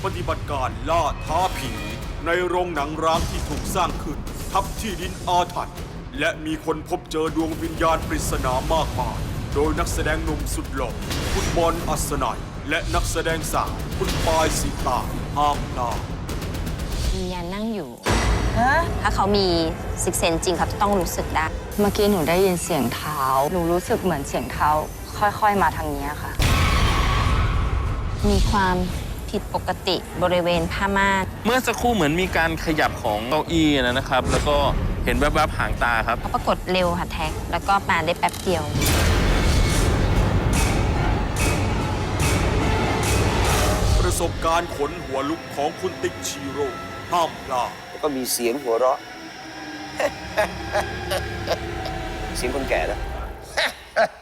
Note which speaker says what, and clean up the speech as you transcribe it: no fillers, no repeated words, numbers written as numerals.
Speaker 1: ปฏิบัติการล่าท้าผีในโรงหนังร้างที่ถูกสร้างขึ้นทับที่ดินอาถรรพ์และมีคนพบเจอดวงวิญญาณปริศนามากมายโดยนักแสดงหนุ่มสุดหล่อคุณบอลอัศนัยและนักแสดงสาวคุณปายสีตาห้ามพลาด
Speaker 2: วิญญาณนั่งอยู่ถ้าเขามีซิกเซนจริงเขาจะต้องรู้สึกได้
Speaker 3: เมื่อกี้หนูได้ยินเสียงเท้า หนูรู้สึกเหมือนเสียงเท้า ค่อยๆมาทางนี้ค่ะ
Speaker 2: มีความผิดปกติบริเวณผ้าม่าน
Speaker 4: เมื่อสักครู่เหมือนมีการขยับของเก้าอี้นะครับ แล้วก็เห็นแวบๆหางตาครับ
Speaker 2: เขาปรากฏเร็วค่ะแท็ก แล้วก็มาได้แป๊บเดียว
Speaker 1: ประสบการณ์ขนหัวลุกของคุณติ๊กชีโร่ห้ามพลาด
Speaker 5: แล้วก็มีเสียงหัวเราะ เสียงคนแก่นะ